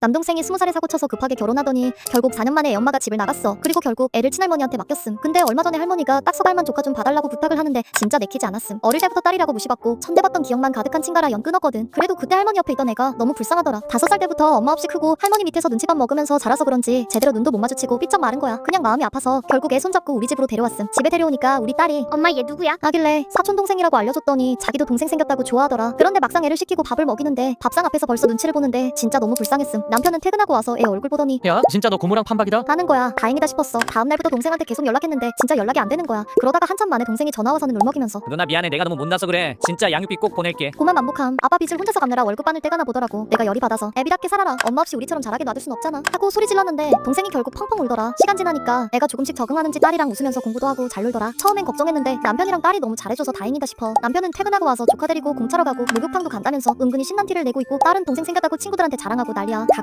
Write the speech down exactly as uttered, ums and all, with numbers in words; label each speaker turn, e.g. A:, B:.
A: 남동생이 스무 살에 사고 쳐서 급하게 결혼하더니 결국 사 년 만에 애 엄마가 집을 나갔어. 그리고 결국 애를 친할머니한테 맡겼음. 근데 얼마 전에 할머니가 딱 서갈만 조카 좀 봐달라고 부탁을 하는데 진짜 내키지 않았음. 어릴 때부터 딸이라고 무시받고 천대받던 기억만 가득한 친가라 연 끊었거든. 그래도 그때 할머니 옆에 있던 애가 너무 불쌍하더라. 다섯 살 때부터 엄마 없이 크고 할머니 밑에서 눈치밥 먹으면서 자라서 그런지 제대로 눈도 못 마주치고 삐쩍 마른 거야. 그냥 마음이 아파서 결국 애 손잡고 우리 집으로 데려왔음. 집에 데려오니까 우리 딸이
B: 엄마 얘 누구야?
A: 하길래 사촌 동생이라고 알려줬더니 자기도 동생 생겼다고 좋아하더라. 그런데 막상 애를 시키고 밥을 먹이는데 밥상 앞에서 벌써 눈치를 보는데 진짜 너무 불쌍했음. 남편은 퇴근하고 와서 애 얼굴 보더니
C: 야 진짜 너 고무랑 판박이다?
A: 하는 거야. 다행이다 싶었어. 다음 날부터 동생한테 계속 연락했는데 진짜 연락이 안 되는 거야. 그러다가 한참 만에 동생이 전화 와서는 울먹이면서
C: 누나 미안해 내가 너무 못나서 그래. 진짜 양육비 꼭 보낼게.
A: 고만 만복함. 아빠 빚을 혼자서 갚느라 월급 받을 때가 나 보더라고. 내가 열이 받아서 애비답게 살아라. 엄마 없이 우리처럼 자라게 놔둘 순 없잖아 하고 소리 질렀는데 동생이 결국 펑펑 울더라. 시간 지나니까 애가 조금씩 적응하는지 딸이랑 웃으면서 공부도 하고 잘 놀더라. 처음엔 걱정했는데 남편이랑 딸이 너무 잘해줘서 다행이다 싶어. 남편은 퇴근하고 와서 조카 데리고 공차러 가고 목욕탕도 간다면서 은근히 신난 티를 내고 있고 딸은 동생 생겼다고 친구들한테 자랑하고 난리야.